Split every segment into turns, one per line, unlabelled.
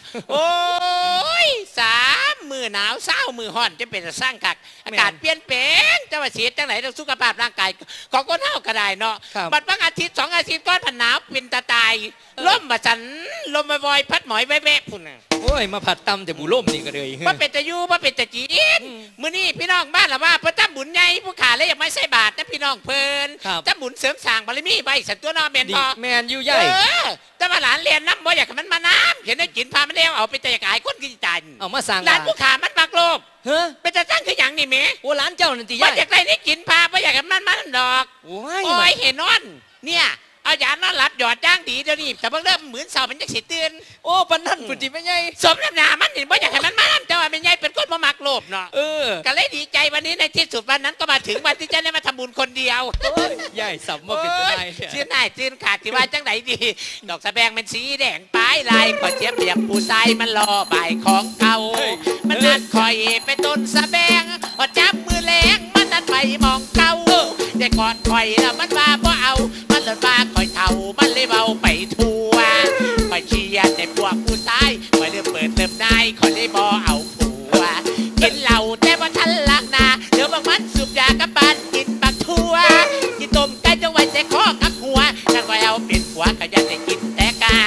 โอ้ย3 มื้อหนาว20มื้อร้อนจะเป็นสร้างคักอากาศเปลี่ยนแปลงจะว่าเสียจังไหนต้องสุขภาพร่างกายของคนเฮาก็ได้เนาะบัดบางอาทิตย์2 อาทิตย์ก่อนผันหนาวเป็นตาตายลมมาสันลมวอยพัดหมอยแวะๆพุ่นน่ะ
โอ้ยมาผัดตำแต่บุล่มนี่ก็เลย
บ่เป็นตะอยู่บ่เป็นตะจีนมื้อนี้พี่น้องบ้านละว่าเพิ่นทำบุญใหญ่ผู้ขาเลยอยากมาใส่บาตรนะพี่น้องเพิ่นทำบุญเสริมสร้างบารมีไว้สันตัวน้อแม่นบ่
แม่นอยู่ใหญ่
แต่ว่าหลานเรียนน้ำบ่อยากให้มันมาน้ำเห็นได้กินพามันแล้วเอาไปแต่อยากหายคนกินจัน
เอามาสั่ง
หลานผู้ขามันมักโลภ
เฮ้
เป็นจะตั้งคืออย่างนี่แม่
โอ้หลานเจ้านั่นติใหญ่
บ่อยากได้นี่กินพาบ่อยากให้มันดอกโอ้ยเห็นนอนเนี่ยเอายานอนหลับหยอดจ้างดีเดี๋ยวนี้แต่เพิ่งเริ่มเหมือนเสามันจะสิตื่น
โอ้ปนนั่นปุติไม่ใหญ่
สมน้ำหน้ามันนี่บ่อยากให้มันมาน้ำแต่ว่าเป็นใหญ่เป็นคนบ่มักโลภเนาะก็เลยดีใจวันนี้ในที่สุดวันนั้นก็มาถึงวันที่จะได้มาทำบุญคนเดียว
ใหญ่สับมาเป็นตัวไหน
ชื่อไหนชื่อขาดที่ว่าจังไหนดีดอกสะแบงมันสีแดงปลายลายขอเจี๊ยบเรียบปูทรายมันรอบ่ายของเก่ามันนัดคอยไปต้นสะแบงพอจับมือแรงมันนัดไปมองเก่าแต่ก่อนคอยแล้วมันว่าบ่เอามันเลยว่าคอยเท่ามันเลยเบาไปทั่วคอยเชียร์แต่พวกผู้ชายคอยเริ่มเปิดเริ่มได้คอยเลยบ่เอาผัวกินเหล้าแต่ว่าทันลักนาเดี๋ยวบางมันสูบยากับบ้านกินบักทั่วกินต้มไก่จะไว้แต่คอกับหัวถ้าคอยเอาเป็นผัวก็ยังได้กินแต่กา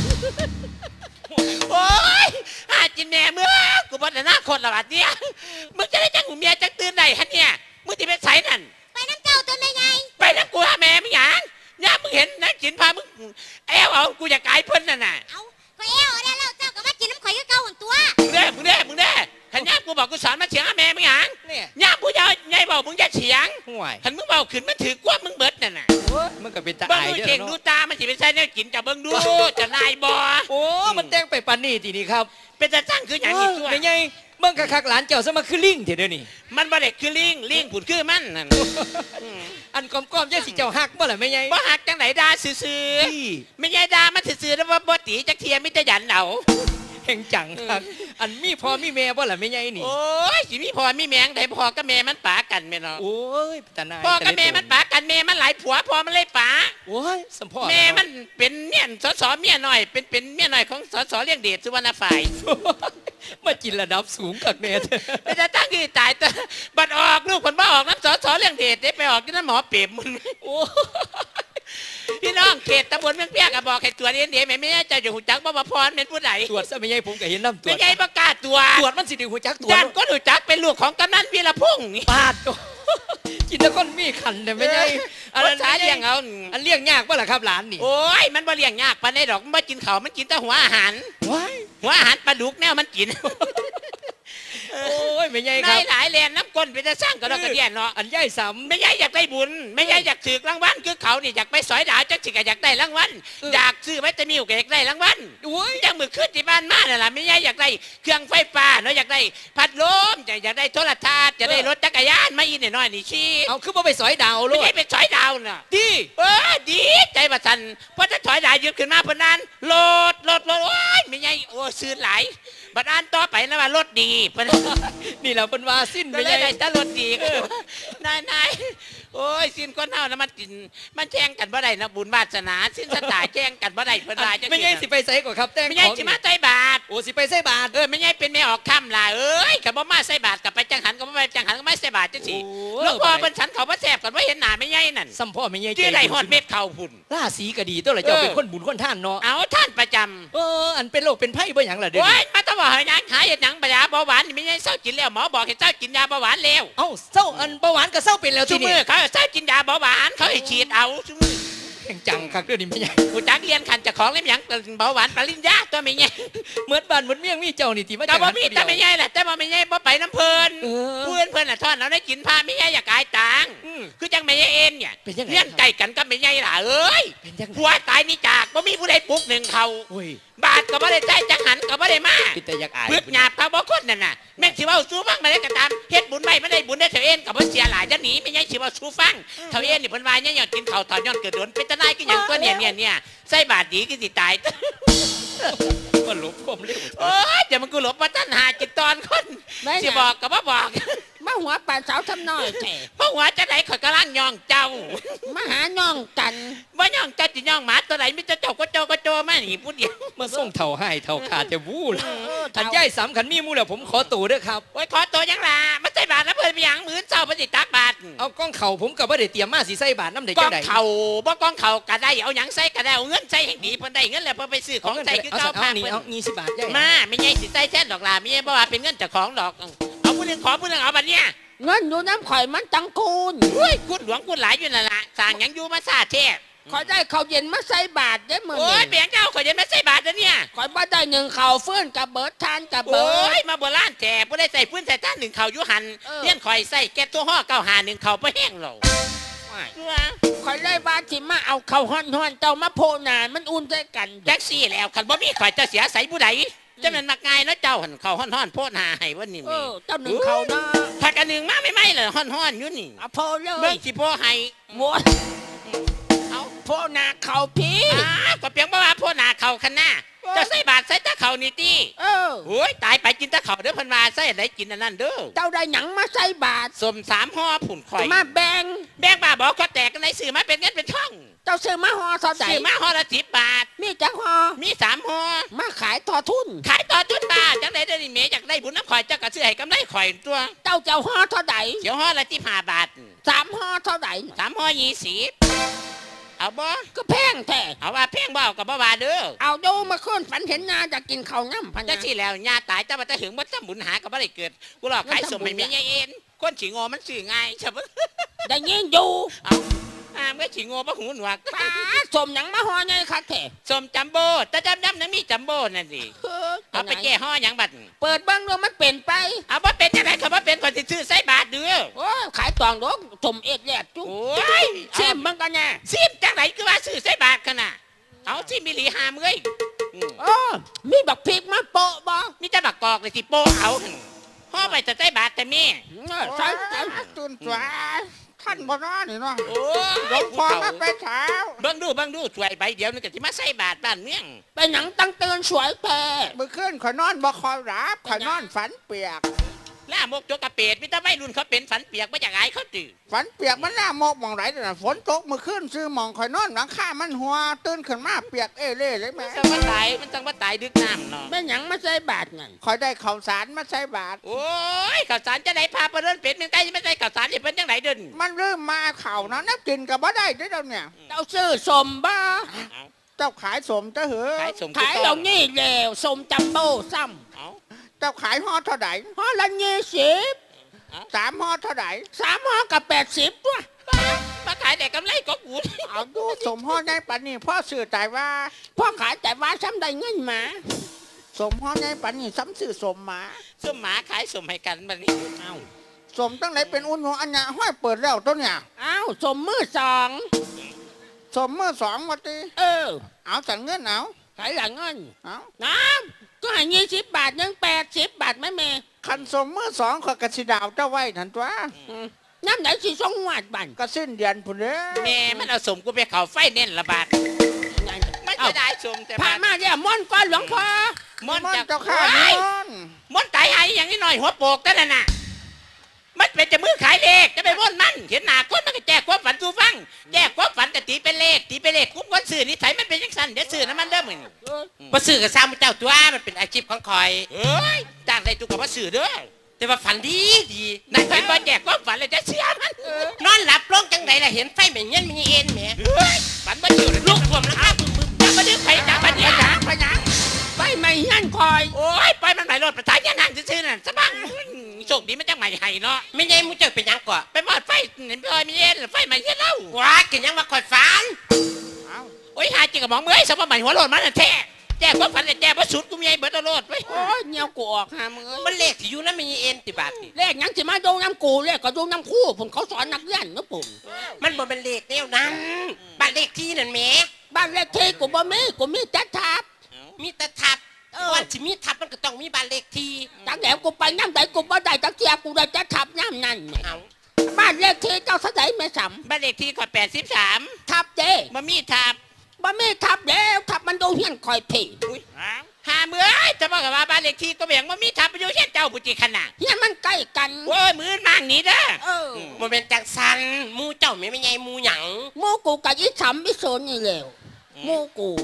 โอ้ยจินแม่เมื่อกูบอกแต่หน้าคนละบาดเนี่ยมึงจะได้จังหูเมียจังตื่นได้ฮะเนี่ยมึงที่เป็นไสนั่น
ไปน้ำเจ้าตัวไม่ไง
ไปน้ำกูหาแม่มึงอย่างย่ามึงเห็นนักจินพามึงแอวเอากูอยากกายเพิ่นน่ะ
เอาก็แอวได้แล้วเจ้าก็มากินน้ำข่อยก็เก่าหันตัว
มึงได้ขันย่ากูบอกกูสอนมาเฉียงหาแม่มึงอย่างย่าผู้ยาวใหญ่บอกมึงจะเฉียงขันมึงเบาขึ้นมันถือกว่ามึงเบิดน่ะ
มันก็เป็นตา
ไอ้เก่งดูตามันสิเป็นไส้เนี่ยกินจะเบิ่งดูจะนายบ่
โอ้มันแต่งไปปานนี้ทีนี้ครับ
เป็นจะตั้งคืออย่างนี้ตัว
ไม่ไงเบิ่งคักหลานเจ้าซะมาคือลิงเถอะเดี๋ยวนี้
มันบ่ได้คือลิงผุดคือมันนั่น
อันก้อมๆยังสิเจ้าฮักบ่ล่ะไม่ไง
บ่ฮักจังไหนด่าซื่อๆไม่ไงด่ามันซื่อๆแล้วว่าบ่ตีจักเทียมิตรยันเอา
แห่งจังครับอันมีพ่อมีแม่บ่ล่ะไม่ไงนี่
โอ้ยสิมีพ่อมีแม่งได้พ่อกับแม่มันปากันแม่เนาะ
โอ้ยตาหนาย
พ่อกับแม่มันปากันแม่มันหลายผัวพ่อมันเลยปา
โอ้ยสัมพ่อ
แม่มันเป็นเมียนสเมียน้อยเป็นเมียน้อยของสเลี้ยงเดชสุวรรณฝ่าย
มากินระดับสูงกับแม่
ไม่จะตั้งที่ตายแต่บัดออกลูกคนบ้าออกน้ำสเลี้ยงเดชได้ไปออกที่นั่นหมอเปียบมึงโอ้พี่น้องเขตตำบลเมืองเปียกบอกให้ตรวจเดี๋ยวไม่จะอยู่หูจักบ่พรเป็นผู้ใด
ตรวจซะไม่ใช่ผมก็เห็นน้ำตรวจ
ไม่ใช่ประกาศตรวจ
มันสิถึงหูจักตรวจ
ด้านก็หูจักเป็นลูกของกำนันวีรพงษ์
ปาดกินแล้วก็มีขันแต่ไม่ใช่
อันนั้นเลี้ยงเอา
อันเลี้ยงยากป่ะล่ะครับหลานนี่
โอ้ยมันบ่เลี้ยงยากปานใดดอกมันกินข้าวมันกินแต่หัวอาหารหัวอาหารปลาดุกแนวมันกิน
โอ้ยไม่ใช่ครับ
หลายแลนน้ำก้นไปจะสร้างก็ได้กระเดียนเนาะ
อันใหญ่ซ้ำ
ไม่ใช่อยากได้บุญไม่ใช่อยากถือรางวัลคือเขานี่อยากไปสอยดาวจังสิกอยากได้รางวัลอยากซื้อไว้จะมีโอกาสได้รางวัลจังมือขึ้นที่บ้านมาเนี่ยล่ะไม่ใช่อยากได้เครื่องไฟฟ้าเนาะอยากได้พัดลมอยากได้โทรทัศน์จะได้รถจักรยานมาอีน้อยนี่ชี้
เอาคือว่าไปสอยดาวลูก
ไม่ใช่ไปสอยดาวน่ะ
ดี
ดีใจประทันเพราะถ้าสอยดาวยืดขึ้นมาเพราะนั้นรถโอ้ยไม่ใช่โอ้ซื้อหลายบัดอันต่อไปนะว่ารถดี
นี่แหละเป็นว่าสิ้น
ไม่ใช่ถ้ารถดีนายโอ้ยสิ้นคนเท่านะมันกินมันแจ้งกันบ่ได้นะบุญวาสนาสิ้นสตาแจ้งกันบ่ได้เพิ่นว่าจัง
ไม่ใช่สิไปใส่ก่อนครับแต่ง
ไม่ใช่สิมาใส่บาท
โอ้สิไปใส่บาท
ไม่ใช่เป็นแม่ออกค่ำล่ะเอ้ยกับบ่มาใส่บาทกับไปจังหันกับบ่ไปจังหันก็ไม่ใส่บาทจังสิหลวงพ่อเพิ่นฉันเขาบ่แซ่บกันบ่เห็นหน้าไม่ใช่นั่น
ซ้ำพ่อไม่ใช่
ที่ได้ฮอดเม็ดข้าวพุ่น
ราศีก็ดีตัวละเจ้าเป็นคนบุญคนท่านเนาะ
เอาท่านประจำ
อันเป็นโรคเป็นไพ่บ่หยังล่ะเด้อ
โอ้ยมาต้องว่าหยังหาเฮ็ดหยังยาเบาหวานไม่ใช่เศร้ากินแล้วหมอบอกให้เศร้ากินยาเบาหวานแล้ว
เอ้าเศร้าอันเบาหวานก็เศร้าเป็นแล้ว
ทีนี้เขาเศร้ากินยาเบาหวานเขาให้ฉีดเอา
แห่งจังคักเรื่องนี้ไม่ใช่
ผู้จักเรียนขันจะของเล่มหยังเบาหวานปริญญาตัวไม่ใช่
เหมือนบ้านเหมือนเมี่ยงมีเจ้านี่ที่มา
จากมีแต่ไม่ใช่แหละแต่ไม่ใช่บ่ไปน้ำเพลินเพื่อนน่ะทอดเราได้กินผ้าไม่ใช่อยากกายตังคือจังไม่ใช่เอ็นเนี่ยเลี้ยงไก่กันก็ไม่ใช่ล่ะเอ้ยผัวตายนี่จากบ่มีผู้ใดปลุกหนึ่งเขาบาทก็บ่ได้ใจจังหันก็บ่ได้มาพึ่งหยาบพระบ่คนนั่นน่ะแม่ชิว่าสู้ฟังมาได้กระตามเฮ็ดบุญไม่ได้บุญได้เถาเอ็นกับบ่เสียหลายจะหนีไม่ใช่ชิว่าสู้ฟังเถาเอ็นนี่เพิ่นว่าเนี่ยอยากกินข้าวถอนย้อนเกิดโดนเป็นตะนายก็อย่างตัวเนี่ยใส่บาทดีก็สิตาย
ก็หลบความเร็ว
โอ้ยเดี๋ยวมันกูหลบมาตั้นหาจิตตอนคนสิบอกกับบ่บอก
มาหัวป่าสาวทำน้อยแท้
เพราะหัวจะไหนข่อยกำลังย่องเจ้า
มาหาย่องกัน
ว่าย่องเจ้าจิย่องหมาตัวไหนมิจะเจ้าก็โจมาหนีพูดเดียว
มาส่งเท่าให้เท่าขาดจะวู้ล่ะอันย่ายสามขันมีมูแล้วผมขอตู่เด้อครับ
โอ้ยขอตัวยังล่ะมาใส่บาทแล้วเพิ่นไปหยังมื้อเช้าเพิ่นสิตักบาท
เอากล้องเข่าผมกับว่าได้เตรียมมาสีใส่บาทน้ำเด็ก
กล้
จั
อง
งใด
เข่าบ่กล้องเข่าก็ได้เอาหยังใส่ก็ได้เอาเงินใส่ให้ดีเพิ่นได้เงินแล้วเพิ่นไปซื้อของใส่คือ
เอา
เก่า
เอา
พา
นี่
เพิ่น
เอา20 บาทย่าย
มาไม่ใช่สิใส่แท้ดอกล่ะไม่ใช่เพราะว่าเป็นเงินเจ้าของดอกเอาผู้หนึงขอผู้หนึงเอาบัดเนี้ย
เงินอยู่น้ำข่อยมันตังคูณ
เฮ้ยกุดหลวงกุดหลายอยู่นั่นล่ะสร้างหยังอยู่มาซาแท้
ข่อยได้ข้าวเย็นมาใส่บาทได้อมื้อ
โอ้ย
นี้
เปียงเจ้าข่อยจะมาใส่บาทแล้วเนี่ย
ข่อยบ่ได้หนึ่งข้าวฟื้นกับเบิดทานกับ
โอ้
เบิด
ยมาโบราณแท้บ่ได้ใส่พื้นใส่ท่านหนึ่งเข่าอยู่หัน
เออ
เลี้ยนข่อยใส่แก๊สตัวห่อ951เข่าบ่แห้งหรอก
ข่อยได้บาทที่มาเอาข้าวฮ้อนๆเจ้ามาโพหนามันอุ่นใจกัน
แท็กซี่แล้วคันบ่มีข่อยจะเสียใส่ผู้ใดจะมันมักง่ายเนาะเจ้าหันเข่าฮ้อนๆโพดหาให้วันนี้
เออเจ้าหนึ่งข้าวนะ
ถ้ากันหนึ่งมาไม่ไหมเลยฮ้อนๆอยู่นี่
เอาโพเล
เบิ่
ย
งสิโพให้
โว้ย
เอา
โพหนาข้าวพี่
ก็เพียงบ่ว่าโพหน้าเข่าคันหน้าเจะใส่บาทใส่ตะเข่านี่ติ
เออ
โอ้ยตายไปกินตะเข่าเด้อเพิ่นว่าใส่อันใดกินอันนั้นเด้อ
เจ้าได้หยังมาใส่บาท
สม3ห่อผุ่นข่อย
มาแบ่ง
แบงบ้าบอกเขาแตกกันในสื่อมาเป็นเงินเป็นช่อง
เจ้าซื้อมาห่อเท่าใด
สื่อมาห่อละ10 บาท
มีจักห่อ
มี3ห่อ
มาขายทอทุน
ขายต่อจุดบาทจังได๋ได้นี่เมอยากได้บุญน้ำข่อยเจ้าก็ซื้อให้กำไรข่อยตัว
เจ้าห่อเท่าใด
เดี๋ยวห่อละ15 บาท
3ห่อเท่าใด
3ห่อ20เอาบ่
ก็แพงแท้
เอาว่าแพงบ่เอาก็บ่ว่าเด้อ
เอาดูมาขึ้นฝันเห็นนาจะกินข้าวน้ำพัน
จังซี่แล้วญาตายเจ้าบ่ได้ถึงบ่ทำบุญหาก็บ่ได้เกิดกูหลอกขายสมให้แม่ยายเอ็นคนสิโง่มันซื้อง่ายใช่บ่
ได้ยินอยู่
เอาเมื่อสิโง่บ่หูหนวก
ป้าสมหยังมาห่อไงคะแท้
สมจัมโบ้แต่จำนั้นมีจัมโบ้นั่นดิเอาไปแก้ห่อหยังบัด
เปิดเบ้างดูมันเป็นไป
เอาบ่เป็นจังได๋ก็บ่เป็นคนสิซื้อใส่บาทเด้อ
โอ้ยขายตองดอกสมเอ็ดแยดจุ๊
โอ้ย
ชิมมันกันแน่
ซิมจังไหนคือว่าซื้อใส่บาทขนาดเอาซิมมิลีหามเอ้ย
โอ้มีบักพริกมาโปะบ่
มีแต่บักกอกเลยสิโปเอาห่อไปจะใส่บาทแต่แม่
ใส่ใส่
ตุนสวท่านบ่นอนนี่เนาะ
โอ้ย
หลวงพ่อมาไปเช้า
เบิ่งดูสวยใบเดียวนึงก็สิมาใส่บาทบ้านเมือง
ไปหนังตั้งเตือนสวยแต่
เมื่อคืนข่อยนอนบ่คอยรับข่อยนอนฝันเปียก
ล่ามกจกกระเปดมีแต่วัยรุ่นเขาเป็นฝันเปียกบ่อยากอายเขาตื้อ
ฝันเปียกมันน่ามกหมองไหลแต่น่ะฝนตกเมื่อคืนซื้อหมองข่อยนอนหลังคามันหัวตื่นขึ้นมาเปียกเอเล่เลยแม่
มันจังว่าตายดึกน้ำเนาะ
แม่หยังมาใส่บาทนั่น
ข่อยได้ข้าวสารมาใส่บาตร
โอ้ยข้าวสารจะได้พาไปเดินเป็ดมันใกล้จะไม่ใช่ข้าวสารจะเป็นจังไหนเดิน
มันเริ่มมาเข่านะนับกินกับบ่ได้เด้อเดี๋ยวเนี่ย
เจ้าซื้อสมบ่
เจ้าขายสมเจ้าเหอ
ขายสม
ขายเรานี่แล้วสมจัมโบ้ซ้
เอา
เจ้าขายห่อเท่าไหร่
ำห่อละ20
3ห่อเท่าไหร่
3ห่อกับ80ตัว
มาขายแต่กำไรก็กู
เอาดูสมห่อในปันนี่พ่อสื่อใจว่า
พ่อขายแต่ว่าซ้ำได้เงินมา
สมห่อในปันนี่ซ้ำสื่อสมหมา
สมหมาขายสมให้กันบัดนี้เอา
สมตั้งไหนเป็นอุ่นหัวอันเนี้ยห้อยเปิดแล้วตัวเนี่ย
อ้าวสมมือสอง
สมเมื่อ2วันตี
เออ
เอาสั่งเงินเอา
ขายหลังเงิน
เอา
น้ำก็ให้20 บาทยัง80 บาทไหม่แม่
คันสมเมื่อ2ขอยกระสิดาวเจ้าไว้ทันตัว
น้ำไหนสิส่งหวาดบัน
ก็สิ้นเดือนพุ่นเด้อ
แม่มันเอาสมกูไปเขาไฟเน้นละบาทมันจะได้สมแต่
ผ่า
บาน ท
มาเนี่ยม่อนก้อนหลวงพ่อ
มอน
มัน
จาก
เจ้าข้า
โอ้ย
มัน
มอนตายหายอย่างนี้หน่อยหัวโปกแต่นั่นน่ะมันเป็นจะมือขายเลขจะไปม่อนมันเห็นหน้าคนมันก็แจกความฝันสู่ฟังแจกความฝันแต่ตีเป็นเลขคุ้มคนสื่อนิสัยมันเป็นยังสั้นเดี๋ยวสื่อน้ำมันเด้อมึง
บ่ซื้อกับซ้ำเจ้าตัวมันเป็นอาชีพของคอย
เอ้ยจ้างได้ตุกกับว่าสื่อเด้อ
แต่ว่าฝันดีดี
นั่นเห็นบ่แจกความฝันเลยจะเชื่อมัน
นอนหลับลงจังใดล่ะเห็นไฟแม่เงี้ยมีเอ็นแหม
เฮ้ยฝันบ่อยู่เลย
ลูกท่วมแล้วครับ
จะมาดึงไฟจับมันเนี่ยนะไปยัง
ไปไม่ยันคอย
โอ้ยไปมันไหลรถประสานยานางซื่อๆนั่นสะบังโชคดีมันจังใหม่ให้เนาะ
ไม่ใช่มูเจ้าเป็นหยังก่อ
ไปมอดไฟเห็นพี่อ้อยมีเย็นไฟใหม่เย็นเล่า
ว้ากินยังว่าคอยฝัน
เอา
โอ้ยหาจริงกับหมองเมื่อยสมบัติหัวโลดมันน่ะแท้แจ้ความฝันแต่แจ้ว่าสุดกูมีไอ้เบิร์ตโลดไว้
โอ้ยเงี้ยวกูออกหามือ
มันเลขที่อยู่นั้นมีเอ็นติบาทนี่
เลขหยังสิมาดูน้ำกูเลขก็ดูน้ำคู่ผมเขาสอนนักเรียนนะผม
มันบ่เป็นเลขแนวนั้นบ้านเลขที่นั่นแหม
บ้านเลขที่กูบ่มีแต่ทับ
มีแต่ทับวันสิมีทับมันก็ต้องมีบ้านเลขที่
จังแหวกูไปน้ำใดกูบ่ได้จักเทียกูได้แต่ทับน้ำนั่นแหม
เอา
บ้านเลขที่เจ้าสะใดแม่ส
บ้านเลขที่ขอ83
ำทับเด้
มามีทับ
บ่มีทับแล้วทับมันดูเฮียนคอยผี
อุ้ยหาเมื่อยจะบอกกับว่าบ้านเลขที่ก็แบ่งว่ามีทับไปอยู่เช่นเจ้าปุจิขนาด
เฮียนมันใกล้กัน
โอ้ยมือมากหนีเด้อ
เออ
บ่เป็นจังสันหมูเจ้าแม่ไม่ใหญ่หมูหยัง
หมูกูกับอีสำอีโซนนี่แหล้วหมูกู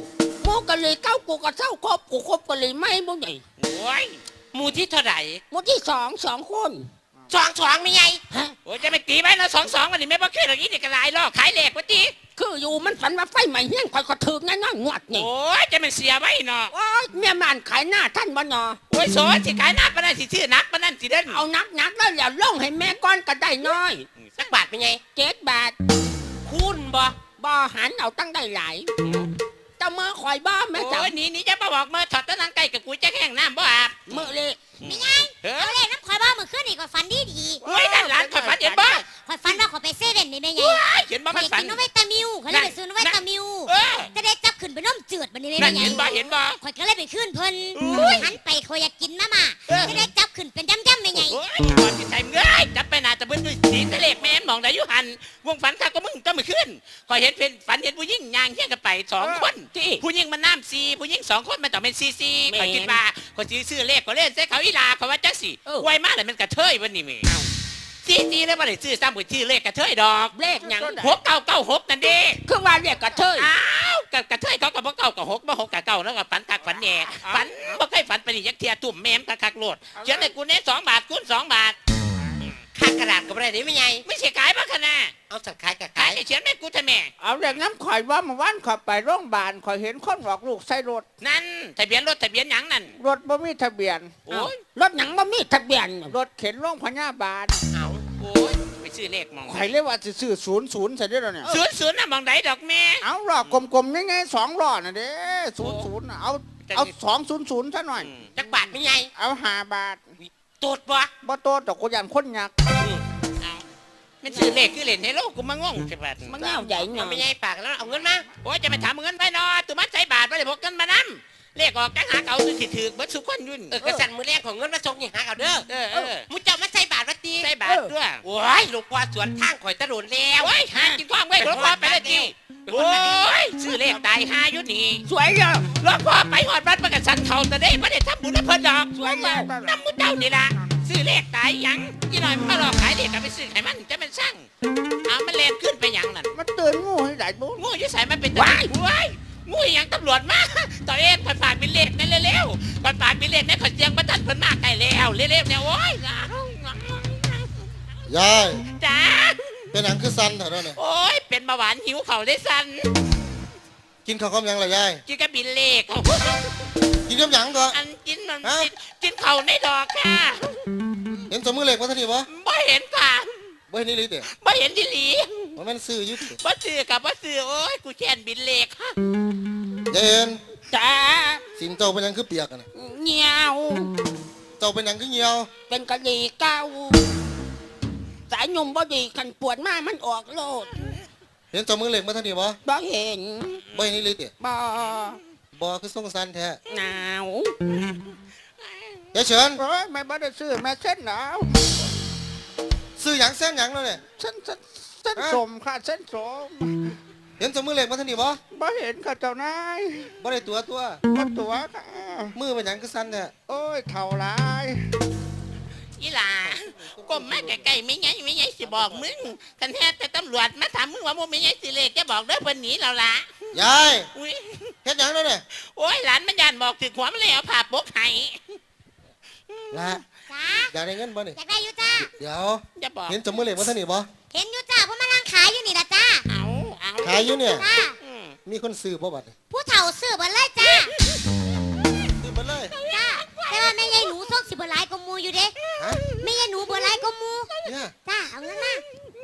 หมูกะเลยเก้ากูก็เศร้าครบกูครบกะเลยไม่บ่ใหญ่
โอ้ย
หมู่ที่เท่าไหร่
หมูที่สองคน
สองไม่ไง
ฮะ
โอ้ยจะไปตีไว้นะ2-2วันนี้ไม่บ่เคยหรอกอีนี่กระไรล่อขายเหล็กวะตี
คืออยู่มันฝันว่าไฟไหม้เฮี้ยงคอยก็ถึกแน่นอนงวดนี่
โอ้ยจะมันเสียไว้เนาะ
โอ้ยเมียมันขายหน้าท่านบ่นอ
โอ้ยโสนสิขายหนักปะนั่นสิชื่อนักปะนั่นสิเด่น
เอานักแล้วอย่าล่องให้แม่ก้อนก็ได้น้อย
สักบาทไม่ไง
7 บาท
คุณบ่
บ่หันเอาตั้งได้หลายเจ้ามือคอยบ่แม่จับ
โอ้ยนี่จะมาบอกมาถอดตะนังไก่กับกูจะแห้งน้ำบ่อาบ
มือเลย
ไม่ไง
เฮ้
เอา
ย
เลขน้ำข่อยบ้ามือขึ้นอีกข่อยฝันดีดี
โอ้ยนั่นหลานข่อยฝันเห็นบ่
ข่อยฝันว่าข่อยไปเซเว่นนี่แม่ไง
เห็นบ่
ข่
มั
อย
นฝัน
กินน้ำไวตามิวข่อยเลยไปซื้อน้ำไวตามิว
เออ
จะได้จับขึ้นไปน้ำจืดบันนี้แม่
นั่น
ไง
เห็นบ่เห็นบ่
ข่อยก็เลยไปขึ้นเพิ่น
อุ้ย
หันไปข่อยอยากกินมาม่า
เออ
จะได้จับขึ้นเป็นจ้ำๆแม่ไง
โอ้ยก่อนที่ใจมึงเอ้ยจับไปหนาจะเบิ้ลด้วยสีทะเลแม่นมองได้อยู่หันวงฝันข้าก็มึงต้องมาขึ้นคอยเห็นเป็นฝันเห็นผู้หญิงย่างเที่ยงกันไป2 คนที่ผู้หญิงมันน้ำซีผู้หญิง2 คนมันต้องเป็นซีคอยคิดว่าคอยซื้อเลขก็เล่นใส่เขาอีลาเขาว่าจังสิไวมากเลยมันกระเทยวันนี้มีซีแล้วว่าได้ซื้อซ้ำกับชื่อเลขกระเทยดอก
เลขหยัง
6996นั่นเด้
คือว่าเรียกกระเทย
อ้าวกระเทยเขากับบ่เก่ากับ6บ่6กับเก่าแล้วก็ฝันคักฝันแหน่ฝันบ่เคยฝันไปนี่ยักเทียตุ่มแม่มคักๆโลดเขียนให้กูเน่2 บาทคูณ2 บาท
ค่ากระดาษก็ไม่ได้นี่ไม่ไง
ไม่ใช่ขายบ้าขนาด
เอาสักขายกับ
ขา
ขาย ย
เขียนแม่กูทำแม่
เอาเด็กน้ำข่อยว่าเมื่อวานข่อยไปโรงพยาบาลข่อยเห็นคนบอกลูกใส่รถ
นั่นทะเบียนรถทะเบียนหยังนั่น
รถบ่มีทะเบียน
โอ้ย
รถหยังบ่มีทะเบียน
รถเข็นโรงพยาบาล
เอาโอ้ยไปซื้อเลขมอง
ข่อยเรียกว่าจะซื้อ00ใส่ได้แล้วเนี่ย
00น่ะมองไหนดอกแม่
เอาล้อกลมๆง่ายๆ2ล้อน่ะเด้00น่ะเอา200ซะหน่อย
จักบาทไม่ไง
เอา5 บาท
ตูดบ่
บ่โตดอกกูยันคนยักษ์
เอามันซื้อเลขคือเล่นให้โลกกูมางงใช่ปะ
มันเงาใหญ่หน่
เอา
อย
ไม่ไงฝากแล้วเอาเงินมา
โอ้ยจะไปถามเงินไปเนาะตุมัดใส่บาทไปเลยพกกันมานำเลขออกจังหาเก่าสิถือเบิดสุกคนยุ่น
กระสันมือแรกของเงินมาส่งนี่หาเอาเด้อ มุเจ้ามาใส่บาทวัดตี
ใส่บาทด้วย
โอ้ยหลวงพ่อสวนทางข่อยตะโดนแล้ว
โอ้ยหากินความไว้หลวงพ่อไปเลยจีโอ้ยซื้อเลขตายหาอยู่นี่
สวยเลย
หลวงพ่อไปหอดบัดประกันสันเขาแต่ได้ไม่ได้ทำบุญให้เพิ่นดอก
สวยแล้ว
น้ำมุเจ้านี่ล่ะซื้อเลขตายหยังยี่หน่อยมันก็รอขายเลขกับไปซื้อไขมันจะเป็นสั่งเอามันเลนขึ้นไปหยังนั่น
มันตื่นงูให้ได้บุญ
งูอยี่ใส่มันเป็นว้ายว้ายงูอหยังตำรวจมาต่อเองคอยฝากเป็นเลขนั่นเร็วๆคอยฝากเป็นเลขนั่นคอยเสียงประทันเพิ่นมากไกลแล้วเร็วๆเนี่ยโอ้ย
ยาย
จ้า
เป็นหนังคือสันเถอะเนี่ย
โอ้ยเป็นเบาหวานหิวเขาได้สัน
กินข้าวกับหยังล่ะยาย
กินกระบินเลขเขา
กินกับหยังก็
อันกินมันกินเขาในดอกค่ะ
เห็นสมือเหล็กมาทันทีบ่
ไม่เห็นค่ะ
บ่เห็นนี่ลิเตะ
ไม่เห็นดิหลี
มันแม่นซื้ออยุติ
บ่ซื้อกับบ่ซื้อโอ้ยกูแค่นบินเลขค่ะ
ยายเอ็น
จ้า
สินเจ้าเป็นหยังคือเปียกอะนะ
เงียว
เจ้าเป็นหยังคือเหี่ยว
เป็นกะดีเก้าสายยมบ่ดีขันปวดมากมันออกโลด
เห็นสมือเหล็กมาทันทีบ่
บ่เห็น
บ่เห็นนี่ลิเตะ
บ่
บ่คือส่งสันแท้
หนาว
ยายเฉิน
โอ้ยแม่บ่ได้ซื้อแม่เส้นหนาว
ซื้อหยังเส้นหยังแล้วเนี่ย
เส้นสมค่ะเส้นสม
เห็นสมือเหล็กมาทันทีบ่
บ่เห็นค่ะเจ้านาย
บ่ได้ตัว
บ่ตัวค่ะ
มือเป็นหยังคือสันแท้
โอ้ยเท่าไร
อีหล่าก้มมาใกล้ๆไม่ไงไม่ไงสิบอกมึงคันแท้แต่ตำรวจมาถามมึงว่ามึงไม่ไงสิเลขจะบอกเด้อเพิ่นหนีเราละ
ยาย
อุ้ย
เฮ็ดหยังแล้วเนี่ย
โอ้ยหลานมันยานบอกถึกหัวมันเลยเอาผ้าปกให้
ละ
จ้า
อยากได้เงินบ่นี่
อยากได้อยู่จ้า
เดี๋ยว
จะบอก
เห็นสมือเหล็กมาทันทีบ่
เห็นอยู่จ้าเพราะมานั่งขายอยู่นี่ละจ้า
เอา
ขายอยู่เนี่ย
จ้า
อืม
มีคนซื้อบ่บัดนี้
ผู้เฒ่าซื้อเบ่เลยจ้า
ซื้อเบิดเลย
จ้าแต่ว่าแม่ยายหนูส่งสิบ่หลายกว่าหมูอยู่เด้
ฮะ
แม่ยายหนูบ่หลายกว่าหมู
เนี่ย
จ้าเอาเงินมาย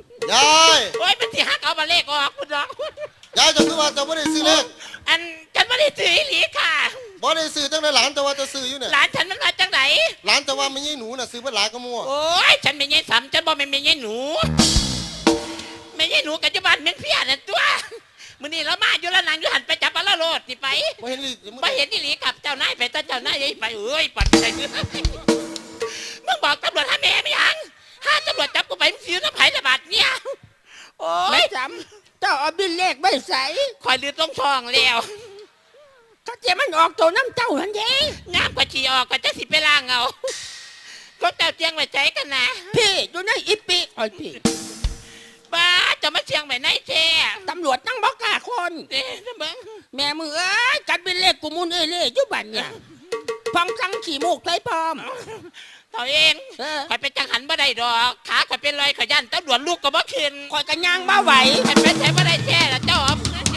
าย
โอ้ยมันสิหักเอามาเลขออกพุ่นดอก
ยายจะคือว่าเจะไม่ได้ซื้อเลข
อันฉันไม่ได้ถืออีหลีค่ะ
บ่ได้ซื้อตั้งแต่หลานแต่ว่าจะซื้ออยู่เนี่ย
หลานฉันมันมาจากไหน
หลานแต่ว่าไม่ใช่หนูน่ะซื้อเพื่อหลานก็มั่ว
โอ้ยฉันไม่ใช่สำฉันบอกไม่ใช่หนูไม่ใช่หนูกัจจุบันเป็นเพี้ยนั่นตัวมื้อนี้เรามาอยู่แล้วนางอยู่หันไปจับปลาโลดนี่ไป
บ่เห็นลิ
ไม่เห็นนี่หลีกับเจ้านายไปแต่เจ้านายยัยไปเอ้ยปัดใจมึงมึงบอกตำรวจหาแม่ไม่ยังถ้าตำรวจจับกูไปมึงซื้อน้ำไผ่ระบาดเนี่ยโอ้
ไม่
ย
จำเจ้าเอาบินเลขไม่ใส่
คอยลืดลงท้องแล้ว
เขาเจะมันออกตัวน้ำเจ้าหันเด้
น้ำกว่าฉี่ออกก็จะสิไปล้างเอาก็เจ้าเจียงไว้ใจกันนะ
พี่อยู่ในอีปิคอยพี่
บ้าเจ้าจะมาเชียงใหม่ไหนแท้
ตำรวจนั่งบอกกล้าคน
เด้อเบิ่ง
แม่มึงเอ้ยกัดเป็นเลขกูมุนเอ้ยเล่ยุบันเนี่ยฟังจังขี่มูกไรพร้อม
ตัวเอง
เออ
ข่อยเป็นจังหันบ่ได้ดอกขาข่อยเป็นรอยข่อยยันตำรวจลูกก็บ่ขึ้น
คอยกันย่างมาไหว
ข่อยเป็นใช้บ่ได้แท้ละเจ้าเอา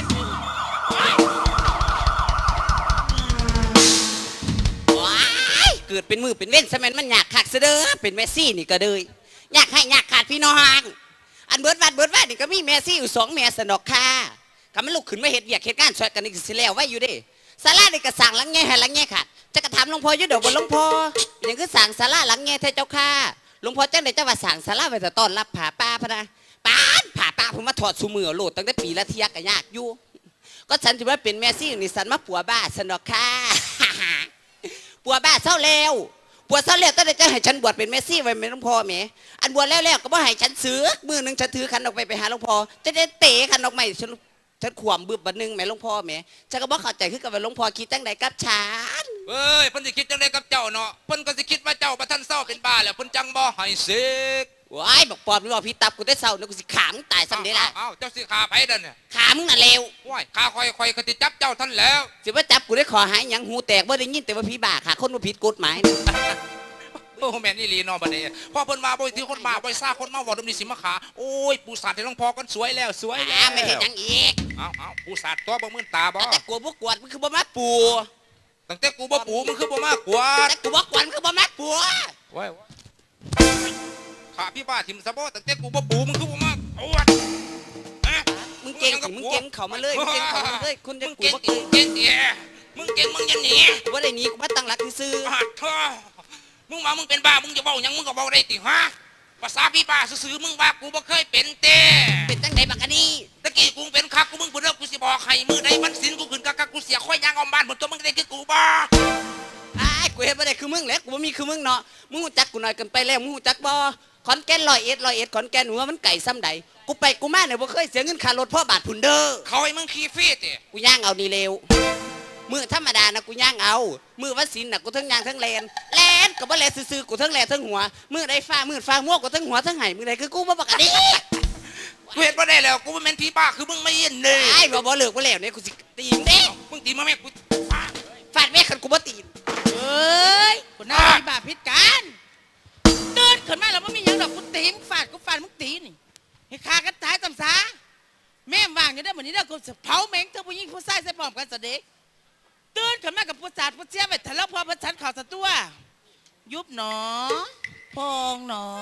ว้ายเกิดเป็นมือเป็นเว้นสมัยมันอยากขักเสยเด้อเป็นเมสซี่นี่ก็เลยอยากให้อยากขาดพี่น้องอันเบิดวัดนี่ก็มีเมสซี่อยู่2 เมสนอกค่ะก็มันลุกขึ้นมาเฮ็ดเวียกเฮ็ดงานช่วยกันนี่สิแล้วไว้อยู่เด้ศาลานี่ก็สั่งหลังแง่ให้หลังแง่ค่ะจะกระทำหลวงพ่ออยู่ดอกบนหลวงพ่อเป็นหยังคือสั่งศาลาหลังแง่เทเจ้าค่ะหลวงพ่อจังได๋จะว่าสั่งศาลาไว้แต่ต้อนรับผาป่าพะนะป้านผาป่าเพิ่นมาถอดซุมือโลดตั้งแต่ปีละเที่ยก็ยากอยู่ก็ฉันถือว่าเป็นเมสซี่นี่สันมาปัวบ้าสนอกค่ะ ปัวบ้าเศร้าแล้วปัวเศร้าแล้วตั้งแต่จะให้ฉันบวชเป็นเมสซี่ไว้เป็นหลวงพ่อแหมอันบวชแล้วก็บ่ให้ฉันซื้อมือนึงฉันถือขันออกไปหาหลวงพ่อจะได้เตะขันออกใหม่ฉันขวมบึบบัดนึงแม่หลวงพ่อแหมฉันก็บ่เข้าใจคือกับว่าหลวงพ่อคิดจังใดกับฉัน
เอ้ยเพิ่นสิคิดจังไดกับเจ้าเนาะเพิ่นก็สิคิดว่าเจ้าประทันเศร้าเป็นบ้าแล้วเพิ่นจังบ่ให้สึก
ว้ายบอกปอบมึงว่าพี่ตับกูได้เศร้าเนี่ยกูสิขามึงตายซ้ำเด้ล่ะ
อ้าวเจ้าสิขาไผเด้อเนี่ย
ขามึงน่ะเลว
ว้ายขาคอยก็สิจับเจ้าท่านแล้ว
สิว่าจับกูได้ขอหายหยังหูแตกบ่ได้ยินแต่ว่าพี่บ้าค่ะคนบ่ผิดกฎหมายนะ
โอ้แม่นอีหลีเนาะบัดนี้พอเพิ่นมาบ่ถือคนมาบ่ซ่าคนมาเว้าดำนี้สิมาขาโอ้ยปูสาดให้หลวงพ่อกันสวยแล้วสวยแล้ว
ไม่เห็นหยังอีก
เอาปูสาดตัวบ่มื่นตาบ่
แต่กลัวบ่กวดมันคือบ่มาปู
ตั้งแต่กูบ่ปูมึงคือบ่มากกว่า
แต่กูบ่กวดมันคือบ่มาปู
ว้ายขาพี่บ้าทิมซะบ่ตั้งแต่กูบ่ปูมึงคือบ่มากโอ้ย
มึงเก่งสิมึงเก่งเข้ามาเลยมึงเก่งเข้ามาเลยคุณจะ
มึง
กู
เก่ง
บ่
เก่งเก่งเอ๋มึงเก่งมึงอย่าหนี
กูบ่ได้หนีกูมาตั้งหลักซื่อ
ปาดเถอะมึงว่ามึงเป็นบ้ามึงจะเว้าหยังมึงก็เว้าได้ติฮะภาษาพี่บ้าซื่อๆมึงว่ากูบ่เคยเป็นเต้
ๆเป็นจังไดบักอันนี้
ตะกี้กูเป็นคักกูมึงบ่เลิกกูสิบอกให้มือใดมันสินกูขึ้นกักกูเสียค่อยยางออมบ้านหมดตัวมึงได้คือกูบ่
อ้ายกูเฮ็ดบ่ได้คือมึงแหละกูบ่มีคือมึงเนาะมึงรู้จักกูหน่อยเกินไปแล้วมึงรู้จักบ่ขอนแก่น101ขอนแก่นหัวมันไก่ซ้ำใดกูไปกูมาเนี่ยบ่เคยเสียเงินค่ารถพ่อบาทพุ่นเด้อ
เขาให้มึงขี่ฟรีติ
กูย่างเอานี่เร็วมือธรรมดานะกูย่างเอามือวันศิลน่ะกูทั้งย่างทั้งแลนก็บ่แลซื่อๆกูทั้งแลทั้งหัวมือใดฟ้ามัวกูทั้งหัวทั้งไห้มือใดคือกูบ่ปกติ
กูเฮ็ดบ่ได้แล้วกูบ่แม่นพี่บ้าคือมึงไม่ยินเด้
ไอ้บ่เลิกบ่แล้วเนี่ยกูสิตีมึงเด้
มึงตีมาแม่กู
ฟาดแม่คันกูบ่ตีน
เอ้ยคนน่ามีบาปพิษกันตื่นขึ้นมาแล้วมันมีหยังดอกกูตีมึงฟาดมึงตีนี่ให้ฆ่ากันตายตำซาแม่มว่างอยู่ได้เหมือนนี้เด้อกูจะเผาแมงเธอผู้หญิงผู้ชายใส่พร้อมกันซะเด็กตื่นขึ้นมากับผู้สาดผู้เสียไปทะเลาะพอประชันข่าวสะตัวยุบหนอพองหนอ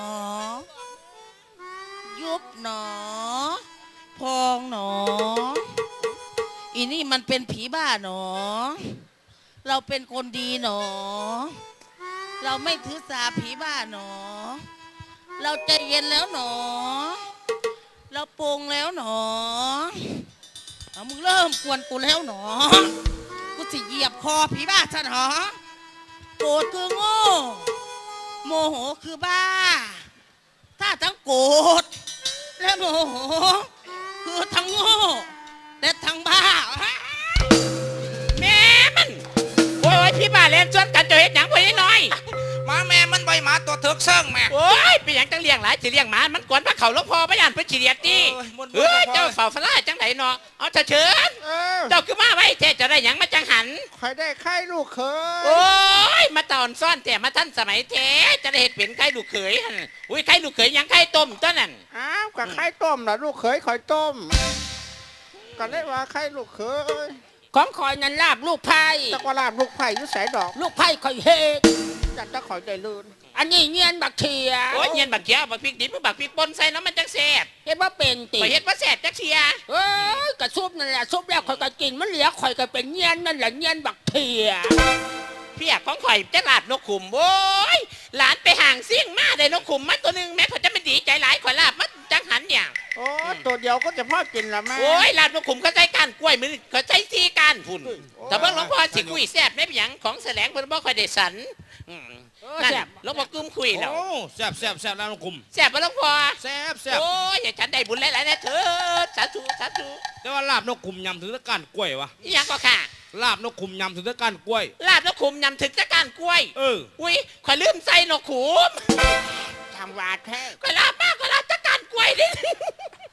ยุบหนอพองหนออีนี่มันเป็นผีบ้าหนอเราเป็นคนดีหนอเราไม่ถือสาผีบ้าหนอเราใจเย็นแล้วหนอเราปรุงแล้วหนอเอามึงเริ่มกวนกูแล้วหนอกูสิเหยียบคอผีบ้าซะหนอโกรธคือโง่โมโหคือบ้าถ้าทั้งโกรธและโมโหคือทั้งโง่และทั้งบ้า
แม่มันโอ้ยพี่บ้าเล่นชวนกันจะเฮ็ดหยังพ่อน้อย
หมาแม่มันใบหมาตัวเถิกเซิงแม่
โอ้ยเป็นหยังจังเลี้ยงหลายสิเลี้ยงหมามันกวนพระเขาหลวงพ่อพระยานเพิ่นขี้เดียดติเฮ้ยเจ้าเฝ้าฟลาจังไดเนาะเอาเชิญ
เออ
เจ้าคือมาไว้แท้จะได้หยังมาจังหัน
คอยได้ไข่ลูกเข
โอ้
ย
ยมาตอนซ่อนแต่มาท่านสมัยแท้จะได้เห็ดเป็นไข่ลูกเขยหั่นอุ้ยไข่ลูกเขยหยังไข่ต้มตัวนั่น
อ้าวกับไข่ต้มล่ะลูกเขยคอยต้มก็เลยว่าไข่ลูกเขย
ของคอยนันลาบลูกไผ่
ตะกวาลาบลูกไผ่อยุ่ใส่ดอก
ลูกไผ่คอยเฮก
จัดตะขอยได้ลื่น
อันนี้เงียนบักเทีย
โอ้ยเงียนบักเขียวบักพริกดิบบักพริกป่นใส่น้ำมันจังแซ่บ
เห็นว่าเป็นติ
ไปเฮ็ดว่าแซ่บจักเชีย
เอ้ยกระซุบนั่นแหละซุบแล้วคอยก็กินมันเหลือคอยก็เป็นเงียนนั่นแหละเงียนบักเทีย
เพียของข่อยจะลาบนกขุมโอ้ยหลานไปห่างซิ่งมาได้นกขุมมาตัวหนึงแม่เขาจะไม่ดีใจหลายข่อยลาบมันจังหันอย่าง
โอ้ตัวเดียวก็จะพ่อกินละแม่
โอ้ยลาบนกขุมเขาใช้ก้านกล้วยมือเขาใช้ซีก้านพุ่นแต่เบิ่งหลวงพ่อสิคุยแซ่บได้เป็นหยังของแสลงเพิ่นบ่ค่อยได้สันนั่นหลวงพ่อกึ้มคุยแล้ว
โอ้แซ่บแล้วน้องกุม
แซ่บบ่หลวงพ่อ
แซ่บ
โอ้ยอย่าฉันได้บุญหลายๆนะเถิดสาธุสาธุ
แต่ว่าลาบนกกุมยำถึงตะก้านกล้วยวะ
อีหยังก็ค่ะ
ลาบนกกุมยำถึงตะก้านกล้วย
ลาบนกขุมยำถึงจะก้านกล้วย อุ้ยข่อยลืมใส่นกขุม
ทำวาแท้
ข่อยลาบมากข่อยลาบจะก้านกล้วยดิ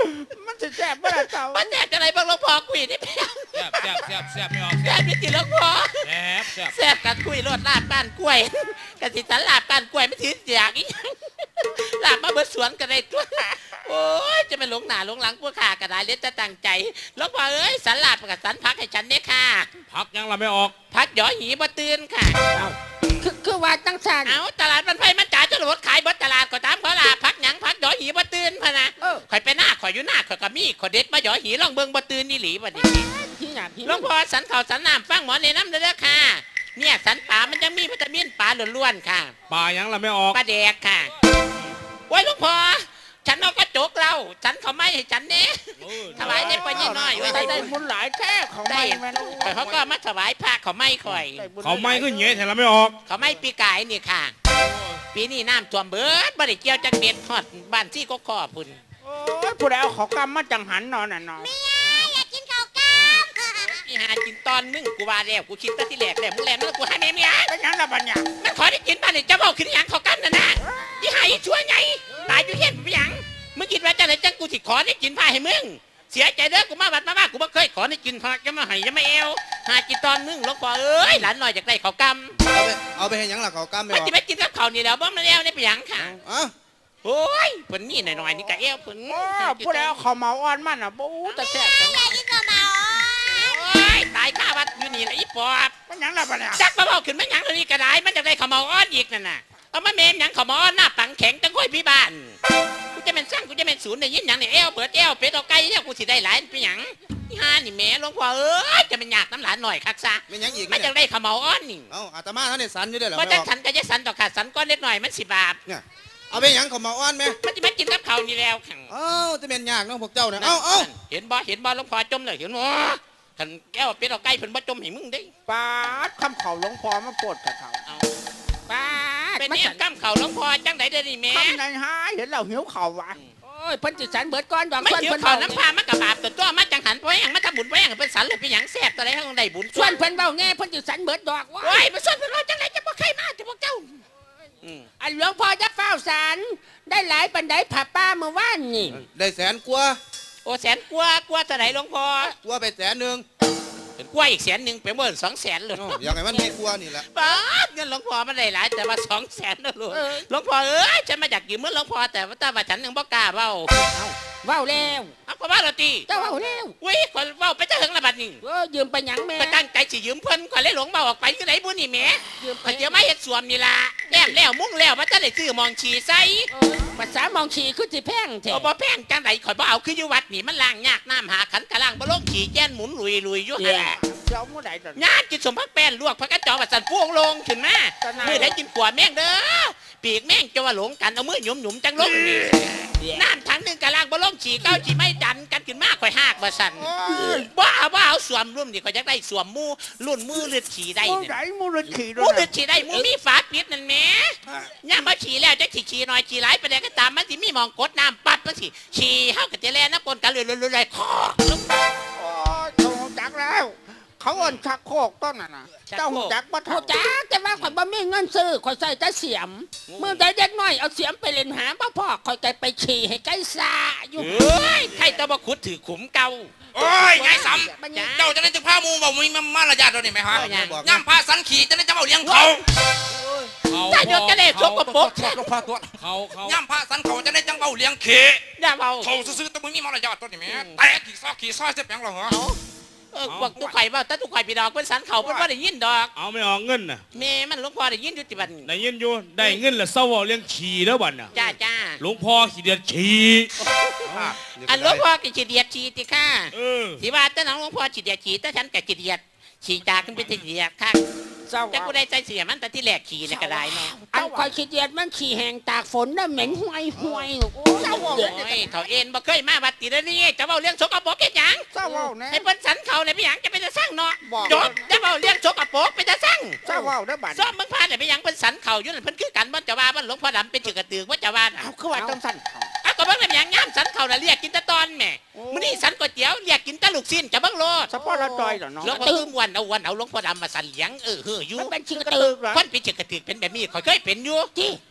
มันจะแซ่บเมื่อไรเจ้า
มันแซ่บจะไรบ้างหลวงพ่อคุยนี่เพียง
แซ่บไม่ออก
แซ่บจริงๆหลวงพ่อ
แซ่บ
แซ่บกันคุยรสลาบก้านกล้วยกะสิสันลาบก้านกล้วยไม่ถืออยากอีหยังลาบมาเบิดสวนกันได้ตัวโอ้ยจะไปหลงหน้าหลงหลังพวกข้าก็ได้เลี้ยจะตั้งใจหลวงพ่อเอ้ยสันลาบกับสันพักให้ฉันเนี่ยค่ะ
พักยังละไม่ออก
พักหยอหีบ่ตื่นค่ะ
คือว่าจังสัน
เอาตลาดมันไฟมันจ่ายจรวดขายเบิดตลาดก็ตามเขาล่ะพักหยังพักหยอหีบ่ตื่นพะนะข่อยไปหน้าข่อยอยู่หน้าข่อยก็มีข่อยเด็ดมาหยอหีลองเบิ่งบ่ตื่นนี่หลีบ่นี่
พี่หยาพี่
หลวงพ่อสันข้าวสันน้ำฟังหมอแนะนำเด้อค่ะเนี่ยสันป่ามันยังมีวิตามินป่าล้วนๆค่ะ
ปลายังละไม่ออก
ปลาแดกค่ะโอ้ยหลวงพ่อฉันเอากระจกเราฉันเขาไม่ให้ฉันเนี่ยถวายได้ปะยี่น้อยไว้
ได้
ได้
บุญหลายแท้ของ
ได้
ไม่แม่น
ข่อยเขาก็มาถวายผ้าเขาไม่ข่อย
เขาไม่ขึ้นเงี้ยแต่ละไม่ออก
เขาไม่ปีกายนี่ค่ะ ปีนี้น้ำท่วมเบิดบ่ได้เกี่ยวจักเม็ดฮอดบ้านซี่ก็ขอพุ่น
โอ้ยผู้ใดเอาเขากำมาจังหันนอนน่ะนอน
อยากกินข้าวกล้าม
อีหากินตอนนึงกูว่าแล้วกูคิดแตั้ที่แรกแล้วมึงแลมแล้วกูหาแม่เมีย
เป็นหยังละบัญญัติ
มันขอได้กินบ้านนี่จะเมาขึ้นอหยังเขากันน่ะนะอีหาอีชั่วไงตายอยู่เฮ็ดไปหยังมึงคิดว่าจังไหนจังกูสิขอได้กินผ้าให้มึงเสียใจเด้อกูมาบัดมาบ้ากูบ่เคยขอได้กินผ้าจะมาให้จะมาเอวหากินตอนนึงหลวงพ่อเอ้ยหลานน้อยอยากได้ข้าวกำ
เอาไปให้หยังล่ะเขากล้ามไม่
มัน
ออก
จะไม่กินกับข้าวนี่แล้วบ่มันแล้วนี่ไปหยังค่ะ
อ่ะ
โอ้ยเพิ่นนี่หน่อยๆนี่ก็เอวเพิ่น
โอ้ผู้ใดเอาเขาเมาอ่อนมันน่ะบู๊แต่แซ่บจัง
อยากกินข้าวเมา
โอ้ยตายข้าวัดอยู่นี่ละอีปอบ
เป็นหยังละบัญญัติ
จักมาเบาขึ้นมาหยังตัวนี้ก็ได้มันจะได้ข้าวเมาอ้อนอีกนั่นน่ะเอามาเมมหยังข้าวเมาอ้อนหน้าปังแข็งจังค่อยพี่บ้านกูจะเป็นสร้างกูจะเป็นศูนย์ได้ยินหยังเนี่ยเอวเปิดเอวเป็ดเอาไก่เนี่ยกูสิได้หลายเป็นหยังนี่ฮานี่แม่หลวงพ่อเอ้ยจะเป็นยากน้ำหลานหน่อยคักซะ
ไม่หยังอีก
มันจะได้ข้าวเมาอ้อนนี่
เอาอาตมาท่านเนี่ยสันอยู่ได้เหรอ
เพราะ
ไม่
จั
อง อก
สันก็จะสันต่อขาดสันก้อนเล็กหน่อยมัน10 บาท
เนี่ยเอาไปหยังเขามาอ้อนไหม
มันจะมากินกับข้าวนี่แล้วขัง
เอ้าจะเป็นยากเน้องพวกเจ้าเนี่ยเอา
เห็นบ่หลวงพ่อจมเลยเห็นบ่ขันแก้วเป็ดเอาไก่เพิ่นบ่จมให้มึงได้
ปาดคำเขาหลวงพ่อมาปวดกับเขา
เอา
ป้าด
เป็น
มัน
เนี่ย
สัน
กำข้าวหลวงพ่อจังไดเด้อนี่แม่
ทำในหาเห็นเราหิวเข่าววะ
โอ้ยเพิ่นจิสันเบิดก้อนดอก
ไม่
ส่วน
หิว
เพิ่น
ข้าว
เบา
น้ำพามันกับบาปตัวมาจังหันไปหยังมาทำบุญไปหยังเป็นสันเลยเป็นหยังแซ่บตัวใดให้ของได้บุญ
ส่วนเพิ่นเบาแง่เพิ่นจิสันเบิดดอกว่า
โอ้ยมาส่วนเพิ่นว่าจังไดจะบ่ใครมาจะพวกเจ้า
อันหลวงพ่อจะเฝ้าสันได้หลายปันไดผ่าป้าเมื่อวานนี่
ได้แสนกว่า
โอ้แสนกว่าเท่าไหร่หลวงพ่อก
ว่าไป100,000
เป็นกว่าอีก100,000เป็นเมื่อ200,000เลย
อย่างไรมันมีกว่านี่แหละ
ป้าดเงินหลวงพ่อมันได้หลายแต่ว่า200,000นะลูกหลวงพ่อเอ้ยฉันมาจากยืมเงินหลวงพ่อแต่ว่าฉันยังบ่กล้าเว้า
เว้าแล้ว
เอาก็ว่าเราตี
เจ้าเว้าแล้ว
อุ้ยคนเว้าไปจะถึงระบัดนี่
ยืมไปหยังแม่
ก็ตั้งใจสิยืมเพิ่นก็เลยหลงเบาออกไปคือไหนบุญนี่แหม่
ยืมไป
ก็เดี๋ยวมาเฮ็ดสวมนี่ล่ะแต้มแล้วมุ้งแล้วว่าจะได้ซื้อมองฉีใส่
ภาษามองฉีคือสิแพงแท้
เอาบ่แพงจังไดข่อยบ่เอาคืออยู่วัดนี่มันล้างยากน้ำหาขันกะล้างบ่ลงขี่แจ้นหมุนลุยอยู่หั่นล่ะ
เจ้าเมื่อไหร่จะ
ญาติกินสมพักแป้นลวกพักกระจอกว่าสั่นพวงลงขึ้นมามื้อได้กินขัวแม่งเด้อปีกแม่งจะว่าหลงกันเอามือหยุมๆจังลงนี่น้ำถังหนึงกะล้างบ่ลงฉีเก้าฉีไม่ดันกันขึ้นมาข่อยหากบ่สั่นบ่เอาสวมรุ่มนี่ข่อยจักได้สวมมูรุ่นมือเลือดฉีได้
เมื่อ
เนี่ย
ไหร่มูรขี่ด้
มู
วย
เลือดฉีได้มูมีฝาปิดนั่นแหม่ย่ามมาฉีแล้วจะฉีน้อยฉีหลายไปได้ก็ตามมันสิมีหมองกดน้ำปัดมันสิฉีเฮาก็จะแล่น้ำปนกันเลยคอ
โอ้ยเขาหูจักแล้ว เขาอ่อนชักโครกต้นน่ะนะเจ้าหูจักบ่
โท
เท่า
ษจ้าแต่ว่าข่อยบ่มีเงินซื้อข่อยใส่แต่เสียมเมื่อใดเด็กน้อยเอาเสียมไปเล่นหาบ่พ่อข่อยไกไปฉี่ให้ไก่ซาอยู่
เอ้ยใครตะบขุดถือขุมเก่า
โอ้ยยายส
จ้า
ำเจ้าจะได้จะพามูบอกมีมารยาทเรานี่ไหมฮะ
เอาอย่าง
ย่ำพาสันขี่จะได้จะเอาเลี้ยงเขา
ถ้ายกกระเดชชกกระปก
หลวงพ่อตัวย่ำพาสันเขาจะได้จังเอาเลี้ยงเข
อย่าเบา
เขาซื้อๆแต่มึงมีมารยาทตัวนี่ไหมแต่ขี่ซอยเสียแปลงหรอฮะ
พวกตุกไข่เบาแต่ตุกไข่พี่ดอกเป็นสันเขาเป็นว่าได้ยินดอก
เอาไม่ออกเงินน่ะ
แม่มันหลวงพ่อได้ยินอยู่ติบัน
ได้ยินอยู่ได้เงินแล้วเศร้าเอาเลี้ยงขี่แล้วบัดน่ะ
จ้า
หลวงพ่อขี่เดือดขี่
อันหลวงพ่อก็จีเดียดจีติค่ะ
เออ
ที่ว่าแต่น้องหลวงพ่อจีเดียดจีแต่ฉันก็จีเดียดฉีตาขึ้นไปจีเดียดค่ะ
เจ้า
แต่กูได้ใจเสียมันแต่ที่แหลกขี่ในกระไดเนาะ
อันข่อยขี้เกียจมันขี่แหงตากฝนน่ะเหม็นห่วยโอ้ยเจ้า
โอ้ยเขาเอ็นบ่เคยมาวัดตีแล้วนี่จะเบาเรื่องชกกระปกแค่ยัง
เจ้าเว้าแน่
ให้เพิ่นสันเขาเนี่ยไปหยังจะไปจะสร้างเนาะ
บอก
จบจะเบาเรื่องชกกระปกไปจะสร้าง
เจ้าเว้าได้อบัด
ซ้อมมึงพาเนี่ยไปหยังเพิ่นสันเขาอยู่นั่นเพิ่นคือกันบ่จะว่าบ่หลวงพ่อดำเป็นจือกระตือว่าจะว่าน่ะ
เอาคือว่าจังสั่นเขา
เอาก็เบิ่งแล้วไปหยังย่ามสันเขาน่ะเรียกกินแตะตอนแหม่มื้อนี้สันก๋วยเตี๋ยวเรียกกินแตะลูกชิ้นจะเบิ่งโลด
สปอร์ตจอยเหรอเนาะ
หลวงพ่อคือวันเอาหลวงพ่อดำมาสันเลี้ยงเฮ้ออยู่
มันเป็นชิกระ
กระ
ตื
ตื
อ
อเหรอ
คนเป็นจือกระตือเป็นแบบนี้ข่อยเคยเป็นอยู่ที่มันบ่ยาก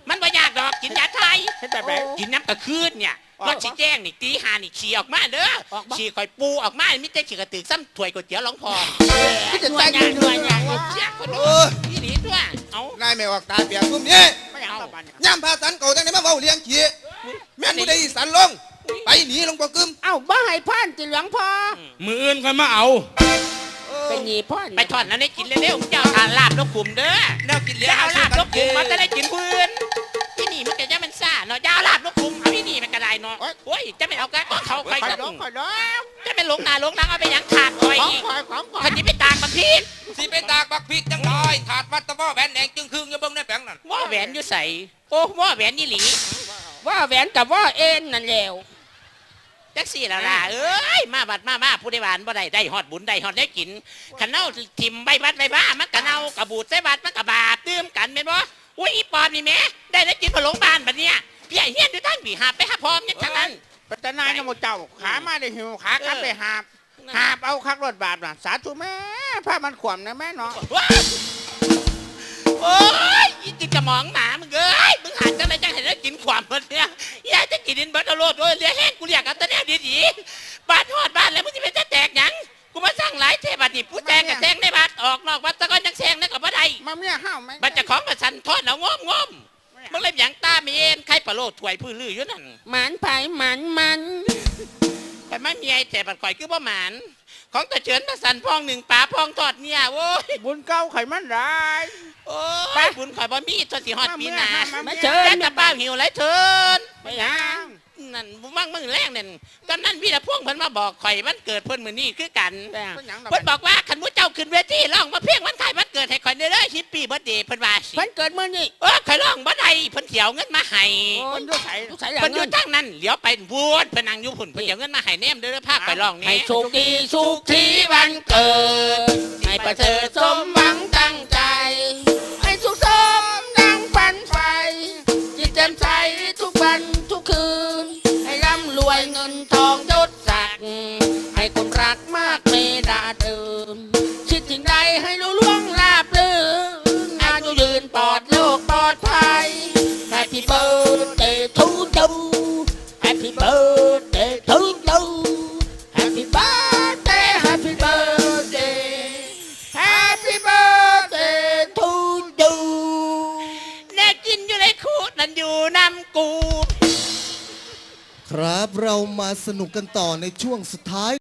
ากดอกกินยาไทย
เฮ็ดแบบไหน
กินน้ำกระคืนเนี่ย
ออก
รถชี้แจ้งนี่ตีหานี่ฉี่ออกมาเด้อ
ออกมา
ฉี่คอยปูออกมาไม่ใช่ฉี่กระตือซ้ำถ้วยก๋วยเตี๋ยวหลวงพ่อ
ที่จะแต่งงานด้วยนะ
เสียคน
โอ้ย
นี่หนีตัวเอา
นายไม่ออกตาเปียกพุ่มนี้
ไม่อยากตะบันเนี่ย
ย่ำพาสันเก่าจังได้มาเว้าเลี้ยงขี้แม่นบ่ได้อีสันลง ไปหนีลงบ่กึม
เอ้าบ่ให้พ่านจิหลวงพ่อ
มืออื่นค่อยมาเอา
เป็นหนีพ่อน
ไปทอดนั้นได้กินเร็วๆเจ้าทานลาบนกขุมเด้อ
แนวกินเหลี้ยง
เจ้าลาบนกขุมมันจะได้กินพื้นที่นี่มันก็จะมันซ่าเนาะเจ้าลาบนกขุมเอาที่นี่มันก็ได้เนาะโอ้ยจะไม่เอากันเขาใคร
คอย
จะ
ดองคอยดอง
จะไม่หลงหน้าหลงหลังเอาไปหยังขาดคอย
ของ
อีก
คอยของคอย
คันนี้ไปตากบักพีด
สิไปตากบักพริกจังน้อยถาดวัดตะว้อแหวนแดงจึงครึ่งอย่าเบิ่งในแปลงนั่น
ว่าแหวนอยู่ใส่โอ้ว่าแหวนนี่หลี
ว่าแหวนกับว่าเอ็นนั่นแหล้ว
จักสี่ละล่ะเอ้ยมาบัดมาผู้ได้หวานบ่ได้ฮอดบุญได้ฮอดได้กินขันเน่าทิมใบบัดใบบ้ามันกะเน่ากระบูดใส่บัดมันกะบาปตื้มกันแม่นบ่อุ้ยอีปอบนี่แม่ได้กินพะโลงบ้านบัดเนี้ยพี่ไอ้เฮียนอยู่ทั้งปีหาไปหาพร้อมเนี่ยทั้งนั้น
เป็นตาหนายนะโมเจ้าขามาได้หิวขากลับไปหาบหาบเอาคักรถบาปน่ะสาธุแม่ผ้ามันขวมนะแม่เนาะ
ว้าวโอ้ยอีจิกระหมองหมามึงเอ้ยมึงหันจังไรจังเห็นได้กินความมันเนี่ยยายจะกินดินเบิร์ตโลดโดยเลี้ยแห้งกูเรียกกันตะแนวดีๆบ้านทอดบ้านแล้วมึงจะเป็นจะแตกหยังกูมาสร้างหลายเทบัดนี่ผู้แตกกับแซงในบ้านออกนอกบ้านตะก้อนยังแซงนั่นกับบ่ได้
มาเมียห้าวไหม
บัดเจะของประชันทอดแล้วงอมมึงเล่นหยังตาเมียนใครปลาโลดถวยพื้นลืออยู่นั่น
หมันไผ่หมัน
แต่ไม่มีไอ้แต่บัดข่อยคือบ่หมานของตะเฉินตะสันพองหนึ่งปลาพองทอดเนี่ยโว้ย
บุญเก่าไขมันร้าย
โอ้ยบุญข่อยบ่มีทอดสิฮอดปีหน้า
มาเชิญ
แต่ตะป้าหิวไรเถิน
ไปยัง
นั่นมั่งมึงแรงนั่นตอนนั้นพี่ละพวงเพิ่นมาบอกข่อยวันเกิดเพิ่นมื้อนี้คือกัน
เป็นหยังดอก
เพิ่นบอกว่าคันมุเจ้าขึ้นเวทีร้องมาเพียงวันขายวันเกิดให้ข่อยเด้อฮิปปี้เบิร์ธเดย์เพิ่นว่าสิ
เพิ่นเกิดมื้อนี้
ข่อยร้องบ่ได้เพิ่นเถียวเงินมาให้
คนด้วยไข่
ทุกสาย
เพิ่นอ
เงิ
ยู่
น
ทางนั้นเหลียวไปพูดเพิ่นนั่งอยู่พุ่นเพิ่นเถียวเงินมาให้แนมเด้อพาข่อยร้อง
ให้
นี่
สุขดีสุขทีวันเกิด ให้ประเสริฐสมหวังตั้งใจ ให้สุขสมดังฝันใฝ่จิตแจ่มใสทุกวันทุกคืน ให้ร่ำรวยเงินทองยศศักดิ์ให้คนรักมากเมตตาเดิมคิดถึงใดให้รู้ล่วงราบลื่นอายุยืนปลอดโลกปลอดภัย Happy birthday to you Happy birthday to you Happy birthday Happy birthday Happy birthday to you
แน่กินอยู่ในคูนั่นอยู่น้ำกู
ครับเรามาสนุกกันต่อในช่วงสุดท้าย